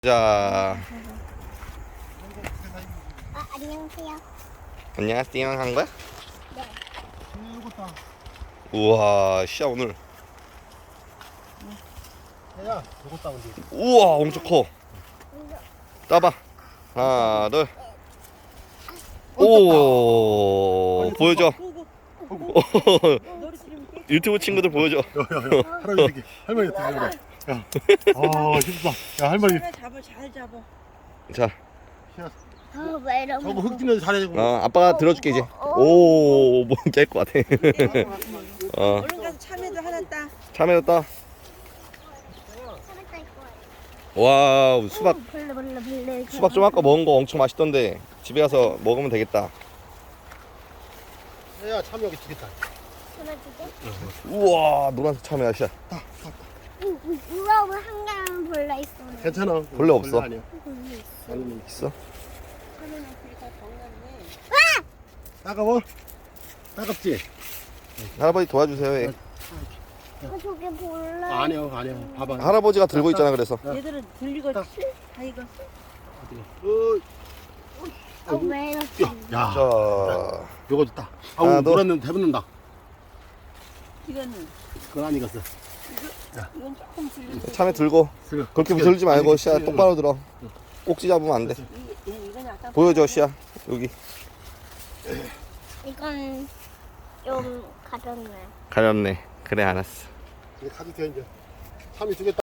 자, 안녕하세요. 안녕하세요 한 거야? 네. 우와, 씨야 오늘. 야, 요거 따면 돼. 우와, 엄청 커. 따봐. 하나, 둘. 오, 보여줘. 유튜브 친구들 보여줘. 야, 할아버지 새끼. 할머니 어떻게 그래? 야, 아, 힘들다. 야, 할머니. 잘 잡아. 자, 왜 이러고? 저거 흙 잘해. 아빠가 들어줄게 이제. 오, 뭐 깰 것 같아. 얼른 가서 참외도 하나 따. 참외도 따. 와우, 수박. 수박 좀 아까 먹은 거 엄청 맛있던데 집에 가서 먹으면 되겠다. 야, 참 여기 두겠다. 우와, 노란색 참외야, 씨야. 우와, 한 개만 벌레 있어. 괜찮아. 벌레 없어. 아니야. 있어? 따가워? 따갑지? 할아버지 도와주세요. 예. 저게 벌레. 아니야. 봐봐. 할아버지가 들고 있잖아. 그래서 얘들은 들리고 다 익었어. 왜 이렇게? 야, 자, 요거도 따. 하나, 아우, 둘. 노랗는 대붙는다. 이거는 그건 안 익었어. 이건 조금 들리고. 참외 들고 그렇게 들지 말고 씨야 똑바로 들어. 꼭지 잡으면 안 돼. 이건 약간 보여줘, 씨야. 여기 이건 좀 가볍네. 가렵네. 그래, 알았어. 이제 가도 돼, 이제. 참이 두개